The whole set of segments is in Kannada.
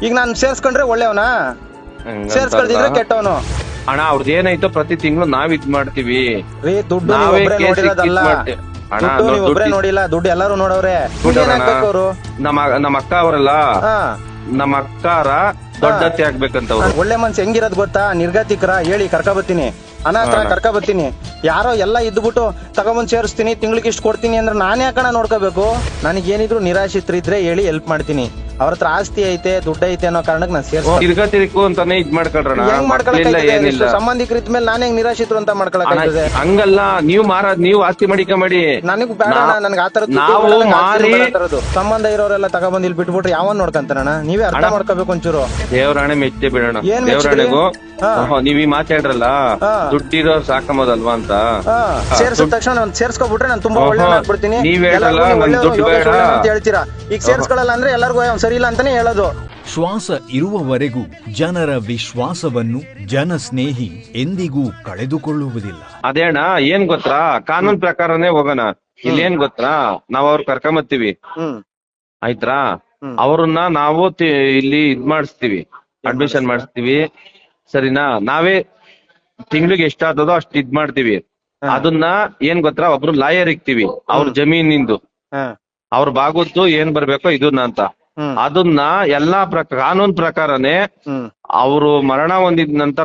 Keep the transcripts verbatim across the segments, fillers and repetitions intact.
ಈಗ ನಾನು ಸೇರ್ಸ್ಕೊಂಡ್ರೆ ಒಳ್ಳೆಯವನಾ, ಸೇರ್ಸ್ಕೊಳ್ದಿದ್ರೆ ಕೆಟ್ಟವನು. ಅಣ್ಣ ಅವ್ರದ್ದು ಏನಾಯ್ತೋ ಪ್ರತಿ ತಿಂಗಳು ನಾವ್ ಇದ್ ಮಾಡ್ತೀವಿ ರೀ. ದುಡ್ಡು ನೀವ್ ನಾವೇ ಒಬ್ರೇ ಕೇಸ್ ನೋಡಿರೋದಲ್ಲ, ಅಣ್ಣ ದುಡ್ಡು ನೀವ್ ಒಬ್ರೇ ದುಡ್ಡು ನೋಡಿಲ್ಲ, ದುಡ್ಡು ಎಲ್ಲಾರು ನೋಡವ್ರೆ. ಅವರು ನಮ್ಮ ನಮ್ಮ ಅಕ್ಕ ಅವರಲ್ಲ, ಹಾ ನಮ್ಮ ಅಕ್ಕಾರ ದೊಡ್ಡತ್ತೆ ಆಗ್ಬೇಕಂತ ಅವ್ರು. ಒಳ್ಳೆ ಮನ್ಸು ಹೆಂಗಿರೋದ್ ಗೊತ್ತಾ? ನಿರ್ಗತಿಕರ ಹೇಳಿ ಕರ್ಕ ಬತ್ತೀನಿ, ಅನಾಥರ ಕರ್ಕ ಬತ್ತೀನಿ. ಯಾರೋ ಎಲ್ಲ ಇದ್ಬಿಟ್ಟು ತಗೊಂಬಂದ್ ಸೇರಿಸ್ತೀನಿ, ತಿಂಗ್ಳಿಗೆ ಇಷ್ಟು ಕೊಡ್ತೀನಿ ಅಂದ್ರೆ ನಾನೇ ಯಾಕಣ ನೋಡ್ಕೋಬೇಕು? ನನಗೇನಿದ್ರು ನಿರಾಶ್ರಿತರಿದ್ರೆ ಹೇಳಿ ಹೆಲ್ಪ್ ಮಾಡ್ತೀನಿ. ಅವ್ರ ಹತ್ರ ಆಸ್ತಿ ಐತೆ, ದುಡ್ಡು ಐತೆ ಅನ್ನೋ ಕಾರಣಕ್ಕೆ ನಾನು ಸೇರ್ಸ್ತೀನಿ. ತಿರ್ಗಾ ತಿರ್ಕು ಅಂತಾನೆ ಇದ್ ಮಾಡ್ಕೊಳ್ರಣ. ಹೆಂಗ್ ಮಾಡ್ಕೊಳಕ್ ಸಂಬಂಧಿಕರ ಇದ್ಮೇಲೆ ನಾನು ಹೆಂಗ್ ನಿರಾಶ್ರಿತರು ಅಂತ ಮಾಡ್ಕೊಳಕ್? ಹಂಗಲ್ಲ, ನೀವ್ ಮಾರ ನೀವ್ ಆಸ್ತಿ ಮಾಡಿಕ ಮಾಡಿ. ನನಗ್ ಬೇಡ, ನನ್ಗೆ ಆತರ ನಾವು ಮಾರಿ ಸಂಬಂಧ ಇರೋರೆಲ್ಲ ತಗೊಂಬಂದ್ ಇಲ್ಲಿ ಬಿಟ್ಬಿಟ್ರೆ ಯಾವನ್ ನೋಡ್ಕಂತಾರಣ? ನೀವೇ ಅರ್ಥ ಮಾಡ್ಕೋಬೇಕು ಒಂಚೂರು. ದೇವರಾಣೆ ಮೆಚ್ಚೆ ಬಿಡೋಣ. ಏನ್ ದೇವರಾಣೆಗೂ ನೀವ್ ಈ ಮಾತಾಡ್ರಲ್ಲ, ದುಡ್ಡಿರೋ ಸಾಕಂಬೋದಲ್ವಾ ಅಂತ ಸೇರ್ಸಿದ ತಕ್ಷಣ ನಾನು ಸೇರ್ಸ್ಕೊಬಿಟ್ರೆ ನಾನು ತುಂಬಾ ಒಳ್ಳೆ ಆಗ್ಬಿಡ್ತೀನಿ. ನೀವ್ ಹೇಳಲ್ಲ ದುಡ್ಡು ಬೇಡ ಅಂತ ಹೇಳ್ತೀರಾ. ಈಗ ಸೇರ್ಸ್ಕೊಳ್ಳಲ್ಲ ಅಂದ್ರೆ ಎಲ್ಲರಿಗೂ ಸರಿ ಇಲ್ಲ ಅಂತಾನೆ ಹೇಳೋದು. ಶ್ವಾಸ ಇರುವವರೆಗೂ ಜನರ ವಿಶ್ವಾಸವನ್ನು ಜನಸ್ನೇಹಿ ಎಂದಿಗೂ ಕಳೆದುಕೊಳ್ಳುವುದಿಲ್ಲ. ಅದೇ ಅಣ್ಣ, ಏನ್ ಗೊತ್ತಾ, ಕಾನೂನ್ ಪ್ರಕಾರನೇ ಹೋಗೋಣ. ಇಲ್ಲಿ ಏನ್ ಗೊತ್ತಾ, ನಾವ್ ಅವ್ರ ಕರ್ಕೊಂಬತ್ತೀವಿ ಆಯ್ತಾ, ಅವ್ರನ್ನ ನಾವು ಇಲ್ಲಿ ಇದ್ ಮಾಡಿಸ್ತೀವಿ, ಅಡ್ಮಿಷನ್ ಮಾಡಿಸ್ತೀವಿ, ಸರಿನಾ? ನಾವೇ ತಿಂಗ್ಳಿಗೆ ಎಷ್ಟಾಗ್ತದೋ ಅಷ್ಟ್ ಇದ್ ಮಾಡ್ತೀವಿ. ಅದನ್ನ ಏನ್ ಗೊತ್ತಾ, ಒಬ್ರು ಲಾಯರ್ ಇಕ್ತಿವಿ, ಅವ್ರ ಜಮೀನಿಂದು ಅವ್ರ ಬಾಗುತ್ತು ಏನ್ ಬರ್ಬೇಕೋ ಇದನ್ನ ಅಂತ. ಅದನ್ನ ಎಲ್ಲಾ ಪ್ರಕಾರ ಕಾನೂನ್ ಪ್ರಕಾರನೇ ಅವರು ಮರಣ ಹೊಂದಿದ ನಂತರ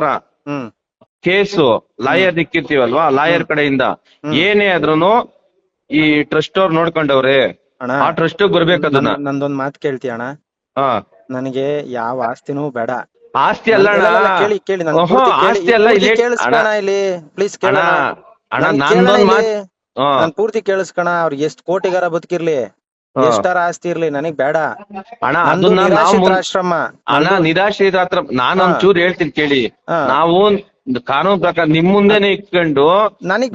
ಕೇಸು ಲಾಯರ್ ಇಕ್ಕಿರ್ತೀವಲ್ವಾ, ಲಾಯರ್ ಕಡೆಯಿಂದ ಏನೇ ಆದ್ರೂನು ಈ ಟ್ರಸ್ಟ್ ಅವ್ರು ನೋಡ್ಕೊಂಡವ್ರೆ, ಆ ಟ್ರಸ್ಟ್ ಬರ್ಬೇಕು. ಅದನ್ನ ನಂದೊಂದ್ ಮಾತು ಕೇಳ್ತೀಯ ಅಣ್ಣ? ಹಾ, ನನಗೆ ಯಾವ ಆಸ್ತಿನೂ ಬೇಡ. ಆಸ್ತಿ ಅಲ್ಲ ಕೇಳಿ ಕೇಳಿ ಆಸ್ತಿ ಅಲ್ಲ ಇಲ್ಲಿ ಕೇಳಿಸ್ಕೋಣ ಇಲ್ಲಿ ಪ್ಲೀಸ್ ಕೇಳ ಅಣ್ಣ. ನಂದೊಂದ್ ಮಾತು ನಾನ್ ಪೂರ್ತಿ ಕೇಳಿಸ್ಕೋಣ. ಅವ್ರಿಗೆ ಎಷ್ಟ್ ಕೋಟಿಗಾರ ಬದುಕಿರ್ಲಿ, ಎಷ್ಟಾರ ಆಸ್ತಿ ಇರ್ಲಿ, ನನಗ್ ಬೇಡ ಅಣ್ಣ. ಅದನ್ನ ನಾವು ಆಶ್ರಮ ಅಣ್ಣ ನಿರಾಶ್ರಿತ ಹತ್ರ ನಾನು ಒಂಚೂರು ಹೇಳ್ತೀನಿ ಕೇಳಿ. ನಾವು ಕಾನೂನು ಪ್ರಕಾರ ನಿಮ್ ಮುಂದೆನೆ ಇಟ್ಕೊಂಡು ನನಗ್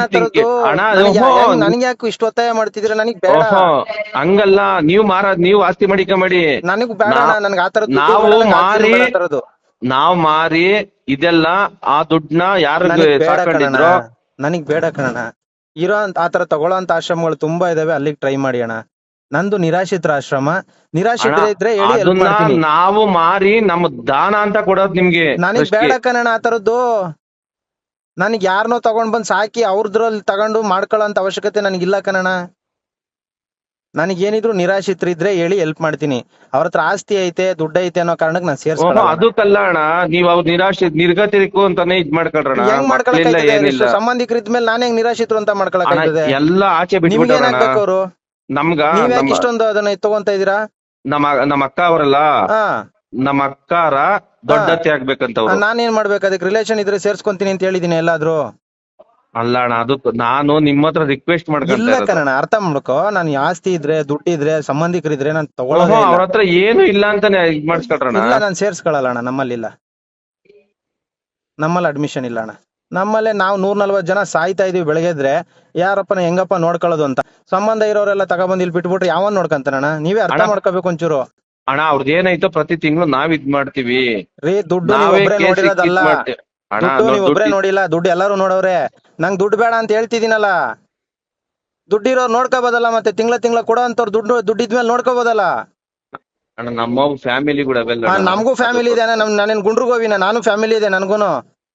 ನನಗ್ ಯಾಕೆ ಇಷ್ಟು ಒತ್ತಾಯ ಮಾಡ್ತಿದ್ರ? ನನಗ್ ಬೇಡ. ಹಂಗಲ್ಲ, ನೀವ್ ಮಾರ ನೀವ್ ಆಸ್ತಿ ಮಾಡಿಕ ಮಾಡಿ. ನನಗ್ ಬೇಡ, ನನ್ಗೆ ಆತರ ನಾವು ಮಾರಿ ನಾವ್ ಮಾರಿ ಇದೆಲ್ಲ ಆ ದುಡ್ಡನ್ನ ಯಾರು ಸಾಕೊಂಡಿದ್ರು ನನಗ್ ಬೇಡ ಕಣ. ಇರೋ ಆತರ ತಗೊಳ್ಳೋ ಅಂತ ಆಶ್ರಮಗಳು ತುಂಬಾ ಇದಾವೆ, ಅಲ್ಲಿಗೆ ಟ್ರೈ ಮಾಡಿ ಅಣ್ಣ. ನಂದು ನಿರಾಶ್ರಿತರ ಆಶ್ರಮ. ನಿರಾಶ್ರಿತರ ಇದ್ರೆ ಹೇಳಿ, ನಾವು ಮಾರಿ ನಮ್ಮ ದಾನ ಅಂತ ಕೊಡೋದು ನಿಮ್ಗೆ. ನನಗ್ ಬೇಡ ಕಣ ಆತರದ್ದು. ನನಗ್ ಯಾರನ್ನೋ ತಗೊಂಡ್ ಬಂದ್ ಸಾಕಿ ಅವ್ರದ್ರಲ್ಲಿ ತಗೊಂಡು ಮಾಡ್ಕೊಳ್ಳೋ ಅಂತ ಅವಶ್ಯಕತೆ ನನಗಿಲ್ಲ ಕಣ. ನನಗೇನಿದ್ರು ನಿರಾಶ್ರಿತರಿದ್ರೆ ಹೇಳಿ ಹೆಲ್ಪ್ ಮಾಡ್ತೀನಿ. ಅವ್ರ ಹತ್ರ ಆಸ್ತಿ ಐತೆ, ದುಡ್ಡು ಐತೆ ಅನ್ನೋ ಕಾರಣಕ್ಕೆ ನಾನು ಸೇರ್ಸ್ಕೊಳ್ಳೋ. ಅದಕ್ಕಲ್ಲ ಅಣ್ಣ, ನೀವ್ ಅವ್ರ ನಿರಾಶ್ರಿತ ನಿರ್ಗತಿರಿಕು ಅಂತಾನೆ ಇದ್ ಮಾಡ್ಕೊಳ್ರಣ. ಹೆಂಗ್ ಮಾಡ್ಕೊಳಕ್? ಸಂಬಂಧಿಕರ ಇದ್ಮೇಲೆ ನಾನು ಹೆಂಗ್ ನಿರಾಶ್ರಿತರು ಅಂತ ಮಾಡ್ಕೊಳಕ್? ಎಲ್ಲ ಆಚೆ ಬಿಟ್ಬಿಟ್ಟಾರ. ಅವರು ನಮ್ಗ ಇಷ್ಟೊಂದು ಅದನ್ನ ತಗೊಂತ ಇದೀರಾ? ನಮ್ಮ ನಮ್ಮ ಅಕ್ಕ ಅವರಲ್ಲ, ನಮ್ಮ ಅಕ್ಕಾರ ದೊಡ್ಡತ್ತೆ ಆಗ್ಬೇಕಂತ. ನಾನೇನ್ ಮಾಡ್ಬೇಕು? ಅದಕ್ಕೆ ರಿಲೇಷನ್ ಇದ್ರೆ ಸೇರ್ಸ್ಕೊಂತೀನಿ ಅಂತ ಹೇಳಿದೀನಿ ಎಲ್ಲಾದ್ರೂ. ಅಲ್ಲ ಅಣ್ಣ, ಅದು ನಾನು ನಿಮ್ಮ ಹತ್ರ ರಿಕ್ವೆಸ್ಟ್ ಮಾಡ್ಕೊಂತ ಕಣ. ಅರ್ಥ ಮಾಡ್ಕೋ, ನಾನು ಆಸ್ತಿ ಇದ್ರೆ, ದುಡ್ಡಿದ್ರೆ, ಸಂಬಂಧಿಕರಿದ್ರೆ ನಾನು ತಗೊಳ್ಳೋದು. ಅವ್ರ ಹತ್ರ ಏನು ಇಲ್ಲ ಅಂತಾನೆ ಇದ್ ಮಾಡಿಸ್ಕೊಳ್ರಣ. ಇಲ್ಲ, ನಾನು ಸೇರ್ಸ್ಕೊಳಲ್ಲ ಅಣ್ಣ. ನಮ್ಮಲ್ಲಿ ಇಲ್ಲ, ನಮ್ಮಲ್ಲಿ ಅಡ್ಮಿಷನ್ ಇಲ್ಲ ಅಣ್ಣ. ನಮ್ಮಲ್ಲೇ ನಾವು ನೂರ್ ನಲ್ವತ್ ಜನ ಸಾಯ್ತಾ ಇದೀವಿ ಬೆಳಗ್ಗೆದ್ರೆ. ಯಾರಪ್ಪನ ಹೆಂಗಪ್ಪ ನೋಡ್ಕೊಳ್ಳೋದು ಅಂತ. ಸಂಬಂಧ ಇರೋರೆಲ್ಲ ತಗೊಂಬಂದ್ ಇಲ್ಲಿ ಬಿಟ್ಬಿಟ್ರೆ ಯಾವನ್ ನೋಡ್ಕಂತಾನಣ್ಣ? ನೀವೇ ಅರ್ಥ ಮಾಡ್ಕೋಬೇಕು ಒಂಚೂರು. ಅಣ್ಣ ಅವ್ರದ್ದು ಏನಾಯ್ತೋ ಪ್ರತಿ ತಿಂಗಳು ನಾವ್ ಇದ್ ಮಾಡ್ತೀವಿ. ರೀ, ದುಡ್ಡು ಒಬ್ರೇ ನೋಡಿರೋದಲ್ಲ, ದುಡ್ಡು ನೀವ್ ಒಬ್ರೇ ನೋಡಿಲ್ಲ, ದುಡ್ಡು ಎಲ್ಲಾರು ನೋಡವ್ರೆ. ನಂಗ್ ದುಡ್ಡು ಬೇಡ ಅಂತ ಹೇಳ್ತಿದೀನಲ್ಲ. ದುಡ್ಡಿರೋರು ನೋಡ್ಕೋಬೋದಲ್ಲ, ಮತ್ತೆ ತಿಂಗಳ ತಿಂಗಳ ಕೊಡೋ ಅಂತವ್ರು ದುಡ್ಡು ದುಡ್ಡಿದ್ಮೇಲೆ ನೋಡ್ಕೋಬೋದಲ್ಲ. ಅಣ್ಣ ನಮ್ಮ ಫ್ಯಾಮಿಲಿ ಕೂಡ ನಮಗೂ ಫ್ಯಾಮಿಲಿ ಇದೆ. ನಮ್ ನಾನೇನ್ ಗುಂಡ್ರಿಗೋವಿನ? ನಾನು ಫ್ಯಾಮಿಲಿ ಇದೆ ನನ್ಗೂನು.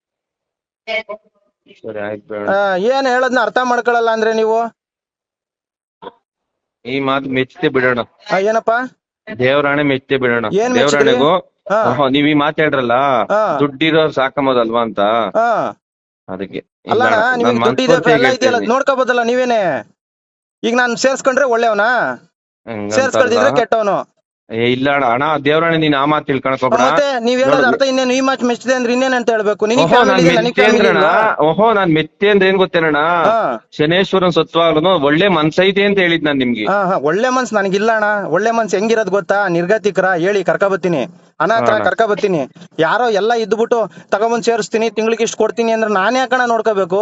ಏನ್ ಹೇಳದ್ನ ಅರ್ಥ ಮಾಡ್ಕೊಳಲ್ಲ ಅಂದ್ರೆ ನೀವು? ಈ ಮಾತು ಮೆಚ್ಚತೆ ಬಿಡೋಣ. ಏನಪ್ಪಾ? ದೇವರಾಣೆ ಮೆಚ್ಚತೆ ಬಿಡೋಣ. ದೇವರಾಣೆಗೂ ನೀವ್ ಈ ಮಾತಾಡ್ರಲ್ಲ, ದುಡ್ಡಿರೋ ಸಾಕಂಬೋದಲ್ವಾ ಅಂತ. ಅದಕ್ಕೆ ಅಲ್ಲ, ನಿಮ್ಗೆ ದುಡ್ಡಿದೆ ನೋಡ್ಕೋಬೋದಲ್ಲ ನೀವೇನೆ. ಈಗ ನಾನು ಸೇರ್ಸ್ಕೊಂಡ್ರೆ ಒಳ್ಳೆಯವನಾ, ಸೇರ್ಸ್ಕೊಳ್ದಿದ್ರೆ ಕೆಟ್ಟವನು? ಇಲ್ಲ ಅಣ್ಣ, ದೇವರಾಣೆ ನೀನ್ ಆ ಮಾತು ತಿಳ್ಕೊಳಕೋಬೇಡ. ಮತ್ತೆ ನೀವ್ ಹೇಳೋದ್ ಅರ್ಥ ಇನ್ನೇನು? ಈ ಮಾತು ಮೆಚ್ಚಿದೆ ಅಂದ್ರೆ ಇನ್ನೇನ್ ಅಂತ ಹೇಳ್ಬೇಕು? ಓಹೋ, ನಾನ್ ಮೆಚ್ಚೆ ಅಂದ್ರೆ ಏನ್ ಗೊತ್ತೇನಣ್ಣ, ಶನೇಶ್ವರನ್ ಸತ್ವಾಗ್ಲೂ ಒಳ್ಳೆ ಮನ್ಸೈತೆ ಅಂತ ಹೇಳಿದ್ ನಾನ್ ನಿಮ್ಗೆ. ಒಳ್ಳೆ ಮನ್ಸ್ ನನಗಿಲ್ಲ ಅಣ್ಣ. ಒಳ್ಳೆ ಮನ್ಸ್ ಹೆಂಗಿರೋದ್ ಗೊತ್ತಾ? ನಿರ್ಗತಿಕರ ಹೇಳಿ ಕರ್ಕ ಬತ್ತೀನಿ, ಅನಾಥರ ಕರ್ಕ ಬತ್ತೀನಿ. ಯಾರೋ ಎಲ್ಲ ಇದ್ಬಿಟ್ಟು ತಗೊಂಬಂದ್ ಸೇರಿಸ್ತೀನಿ, ತಿಂಗ್ಳಿಗೆ ಇಷ್ಟು ಕೊಡ್ತೀನಿ ಅಂದ್ರೆ ನಾನೇ ಯಾಕಣ ನೋಡ್ಕೋಬೇಕು?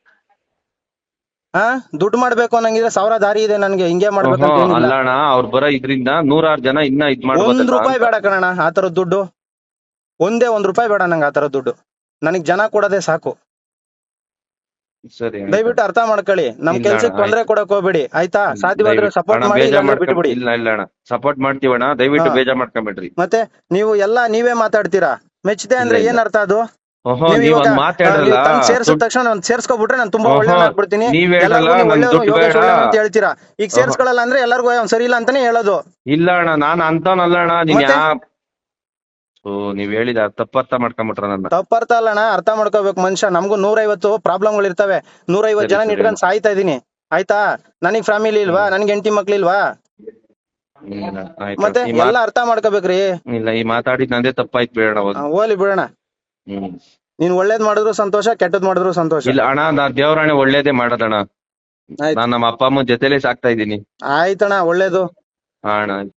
ಹಾ, ದುಡ್ಡು ಮಾಡ್ಬೇಕು ಅನ್ನಂಗಿದ್ರೆ ಸಾವಿರ ದಾರಿ ಇದೆ ನನ್ಗೆ. ಹಿಂಗೆ ಮಾಡ್ಬೇಕು ಅಲ್ಲ ಅಣ್ಣ, ಅವ್ರು ಬರೋ ಇದ್ರಿಂದ ನೂರಾರು ಜನ ಇನ್ನ ಇದ್ ಮಾಡ್ಬೋದು. ಒಂದ್ ರೂಪಾಯಿ ಬೇಡ ಕಣ ಆತರದ್ ದುಡ್ಡು. ಒಂದೇ ಒಂದ್ ರೂಪಾಯಿ ಬೇಡ ನಂಗೆ ಆತರದ್ ದುಡ್ಡು. ನನಗ್ ಜನ ಕೊಡೋದೇ ಸಾಕು. ಸರಿ ಅಣ್ಣ. ದಯವಿಟ್ಟು ಅರ್ಥ ಮಾಡ್ಕೊಳ್ಳಿ. ನಮ್ ಇಲ್ಲ ಕೆಲ್ಸಕ್ಕೆ ಅಣ್ಣ, ತೊಂದ್ರೆ ಕೊಡಕ್ ಹೋಗ್ಬೇಡಿ ಆಯ್ತಾ. ಸಾಧ್ಯವಾದ್ರೆ ದಯವಿಟ್ಟು ಸಪೋರ್ಟ್ ಅಣ್ಣ ಮಾಡಿ ಬೇಜಾರ್ ಇಲ್ಲಾಂದ್ರೆ ಮಾಡ್ಕೊಂಡ್ ಬಿಟ್ಬಿಡಿ. ಇಲ್ಲ ಇಲ್ಲ ಅಣ್ಣ ಸಪೋರ್ಟ್ ಮಾಡ್ತೀವಣ್ಣ, ದಯವಿಟ್ಟು ಹಾ. ಬೇಜಾರ್ ಮಾಡ್ಕೊಂಬೇಡ್ರಿ. ಮತ್ತೆ ನೀವು ಎಲ್ಲಾ ನೀವೇ ಮಾತಾಡ್ತೀರಾ. ಮೆಚ್ಚದೆ ಅಂದ್ರೆ ಇಲ್ಲ, ಏನ್ ಇಲ್ಲ. ಅರ್ಥ ಅದು? ಓಹೋ ನೀವ್ ನೀವ್ ಇವಾಗ ಒಂದ್ ಮಾತಾಡ್ರಲ್ಲ, ಸೇರ್ಸಿದ ತಕ್ಷಣ ನಾನು ಸೇರ್ಸ್ಕೊಬಿಟ್ರೆ ನಾನು ತುಂಬಾ ಓಹೋ, ಒಳ್ಳೆ ಆಗ್ಬಿಡ್ತೀನಿ. ನೀವ್ ಹೇಳಲ್ಲ, ಎಲ್ಲರಿಗೂ ನೀವು ನನ್ ಒಳ್ಳೆಯವ್ನು, ದುಡ್ಡು ಯೋಗೇಶ್ ಬೇಡ. ಒಳ್ಳೆಯವ್ನು ಅಂತ ಹೇಳ್ತೀರಾ. ಈಗ ಓಹೋ. ಸೇರ್ಸ್ಕೊಳಲ್ಲ ಅಂದ್ರೆ ಎಲ್ಲರಿಗೂ ಅವ್ನು ಸರಿ ಇಲ್ಲ ಅಂತಾನೆ ಹೇಳೋದು. ಇಲ್ಲ ಅಣ್ಣ ನಾನ್ ಅಂತವನಲ್ಲ ಅಣ್ಣ, ನೀನ್ ಮತ್ತೆ? ಯಾ ಓ ನೀವ್ ಹೇಳಿದ ತಪ್ಪರ್ಥ ಮಾಡ್ಕೊಂಬಿಟ್ರ ನನ್ನ. ತಪ್ಪರ್ಥ ಅಲ್ಲಣ್ಣ, ಅರ್ಥ ಮಾಡ್ಕೋಬೇಕು ಮನುಷ್ಯ. ನಮಗೂ ನೂರೈವತ್ತು ಪ್ರಾಬ್ಲಮ್ಗಳು ಇರ್ತವೆ. ನೂರೈವತ್ತು ಸರಿ, ಜನ ಸರಿ ಇಟ್ಕೊಂಡು ಸಾಯ್ತಾ ಇದೀನಿ ಆಯ್ತಾ. ನನಗ್ ಫ್ಯಾಮಿಲಿ ಇಲ್ವಾ? ನನ್ಗೆ ಹೆಂಡತಿ ಮಕ್ಳಿಲ್ವಾ? ಇಲ್ಲ, ಆಯ್ತು. ಮತ್ತೆ ಈ ಎಲ್ಲ ಮಾತ್- ಅರ್ಥ ಮಾಡ್ಕೋಬೇಕ್ರಿ. ಇಲ್ಲ ಈ ಮಾತಾಡಿದ್ ನಂದೇ ತಪ್ಪಾಯ್ತು ಬೇಡ ಆ, ಹೋಗ್ಲಿ ಬಿಡೋಣ. ಹ್ಮ್ ನೀನ್ ಒಳ್ಳೇದ್ ಮಾಡಿದ್ರು ಸಂತೋಷ, ಕೆಟ್ಟದ್ ಮಾಡಿದ್ರು ಸಂತೋಷ. ಇಲ್ಲ ಅಣ್ಣ, ನಾ ದೇವ್ರಾಣೆ ಒಳ್ಳೇದೇ ಮಾಡೋದಣ್ಣ. ಆಯ್ತು ನಾನ್ ನಮ್ಮ ಅಪ್ಪ ಅಮ್ಮ ಜೊತೆಲೆ ಸಾಕ್ತಾ ಇದ್ದೀನಿ. ಆಯ್ತಣ್ಣ, ಒಳ್ಳೇದು. ಹಾ ಅಣ್ಣ.